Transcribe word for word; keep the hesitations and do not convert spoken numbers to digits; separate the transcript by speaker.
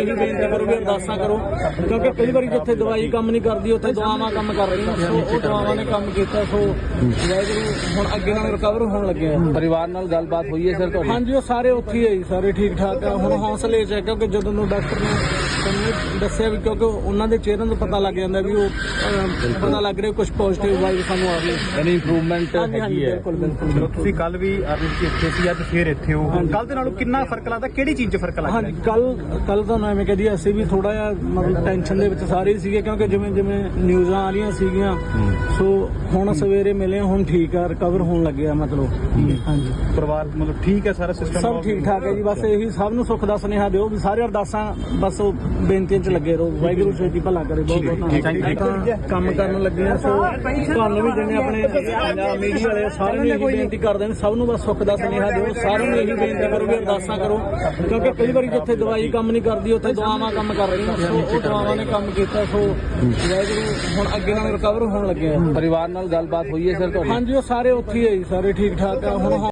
Speaker 1: ਇਹੀ ਬੇਨਤੀ ਕਰੋ ਵੀ ਅਰਦਾਸਾਂ ਕਰੋ, ਕਿਉਂਕਿ ਕਈ ਵਾਰੀ ਜਿੱਥੇ ਦਵਾਈ ਕੰਮ ਨਹੀਂ ਕਰਦੀ ਉੱਥੇ ਦੁਆਵਾਂ ਕੰਮ ਕਰ ਰਹੀਆਂ। ਸੋ ਉਹ ਦੁਆਵਾਂ ਨੇ ਕੰਮ ਕੀਤਾ। ਸੋ ਵਾਹਿਗੁਰੂ ਹੁਣ ਅੱਗੇ ਨਾਲ ਰਿਕਵਰ ਹੋਣ ਲੱਗਿਆ।
Speaker 2: ਪਰਿਵਾਰ ਨਾਲ ਗੱਲਬਾਤ ਹੋਈ ਹੈ ਸਰ ਤੁਹਾਡੀ?
Speaker 1: ਹਾਂਜੀ, ਉਹ ਸਾਰੇ ਉੱਥੇ ਹੀ ਹੈ ਜੀ, ਸਾਰੇ ਠੀਕ ਠਾਕ ਆ। ਹੁਣ ਹੌਸਲੇ 'ਚ ਹੈ, ਕਿਉਂਕਿ ਜਦੋਂ ਨੂੰ ਡਾਕਟਰ ਨੇ ਸਾਨੂੰ ਦੱਸਿਆ ਵੀ, ਕਿਉਂਕਿ ਉਹਨਾਂ ਦੇ ਚਿਹਰਿਆਂ ਤੋਂ ਪਤਾ ਲੱਗ ਜਾਂਦਾ ਵੀ ਉਹ ਅਹ, ਪਤਾ ਲੱਗ ਰਿਹਾ ਕੁਝ ਪੋਜ਼ਿਟਿਵ ਵਾਈਬ ਸਾਨੂੰ ਆ ਰਹੀ।
Speaker 2: ਯਾਨੀ ਇੰਪਰੂਵਮੈਂਟ
Speaker 1: ਹਾਂਜੀ ਹਾਂਜੀ,
Speaker 2: ਹੈਗੀ ਹੈ।
Speaker 1: ਬਿਲਕੁਲ ਬਿਲਕੁਲ।
Speaker 3: ਤੁਸੀਂ ਕੱਲ ਵੀ ਇੱਥੇ ਸੀ, ਅੱਜ ਫੇਰ ਇੱਥੇ ਹੋ। ਕੱਲ ਦੇ ਨਾਲੋਂ ਕਿੰਨਾ ਫਰਕ ਲੱਗਦਾ? ਕਿਹੜੀ ਚੀਜ਼ 'ਚ ਫਰਕ ਲੱਗਦਾ?
Speaker 1: ਹਾਂਜੀ, ਕੱਲ ਕੱਲ ਤੁਹਾਨੂੰ ਐਵੇਂ ਕਹਦੀ ਅਸੀਂ ਵੀ ਥੋੜਾ ਜਿਹਾ ਮਤਲਬ ਟੈਨਸ਼ਨ ਦੇ ਵਿੱਚ ਸਾਰੇ ਸੀਗੇ, ਕਿਉਂਕਿ ਜਿਵੇਂ ਜਿਵੇਂ ਨਿਊਜ਼ਾਂ ਆ ਰਹੀਆਂ ਸੀਗੀਆਂ। ਸੋ ਹੁਣ ਸਵੇਰੇ ਮਿਲੇ, ਹੁਣ ਠੀਕ ਆ, ਰਿਕਵਰ ਹੋਣ ਲੱਗਿਆ ਮਤਲਬ। ਹਾਂਜੀ,
Speaker 3: ਪਰਿਵਾਰ ਮਤਲਬ ਠੀਕ ਹੈ, ਸਾਰਾ ਸਿਸਟਮ
Speaker 1: ਸਭ ਠੀਕ ਠਾਕ ਹੈ ਜੀ। ਬਸ ਇਹੀ ਸਭ ਨੂੰ ਸੁੱਖ ਦਾ ਸੁਨੇਹਾ ਦਿਓ ਵੀ ਸਾਰੇ ਅਰਦਾਸਾਂ ਬਸ ਉਹ ਬੇਨਤੀਆਂ 'ਚ ਲੱਗੇ ਰਹੋ। ਵਾਹਿਗੁਰੂ ਛੇਤੀ ਭਲਾ ਕਰੇ। ਬਹੁਤ ਬਹੁਤ ਧੰਨਵਾਦ। ਕੰਮ ਕਰਨ ਲੱਗੇ ਆ। ਸੋ ਤੁਹਾਨੂੰ ਵੀ ਜਿਵੇਂ ਆਪਣੇ ਪੰਜਾਬ ਮੀਡੀਆ ਵਾਲੇ ਸਾਰਿਆਂ ਨੂੰ ਇਹੀ ਬੇਨਤੀ ਕਰਦੇ ਨੇ, ਸਭ ਨੂੰ ਬਸ ਸੁੱਖ ਦਾ ਸੁਨੇਹਾ ਦਿਓ। ਸਾਰਿਆਂ ਨੂੰ ਇਹੀ ਬੇਨਤੀ ਕਰੋ ਵੀ ਅਰਦਾਸਾਂ ਕਰੋ, ਕਿਉਂਕਿ ਕਈ ਵਾਰੀ ਜਿੱਥੇ ਦਵਾਈ ਕੰਮ ਨਹੀਂ ਕਰਦੀ ਉੱਥੇ ਦੁਆਵਾਂ ਕੰਮ ਕਰ ਰਹੀਆਂ। ਸੋ ਉਹ ਦੁਆਵਾਂ ਨੇ ਕੰਮ ਕੀਤਾ। ਸੋ ਵਾਹਿਗੁਰੂ ਹੁਣ ਅੱਗੇ ਨਾਲ ਰਿਕਵਰ ਹੋਣ ਲੱਗਿਆ।
Speaker 2: ਪਰਿਵਾਰ ਨਾਲ ਗੱਲਬਾਤ ਹੋਈ ਹੈ ਸਰ ਤੁਹਾਡੀ?
Speaker 1: ਹਾਂਜੀ, ਉਹ ਸਾਰੇ ਉੱਥੇ ਹੀ ਹੈ ਜੀ, ਸਾਰੇ ਠੀਕ ਠਾਕ ਆ। ਹੁਣ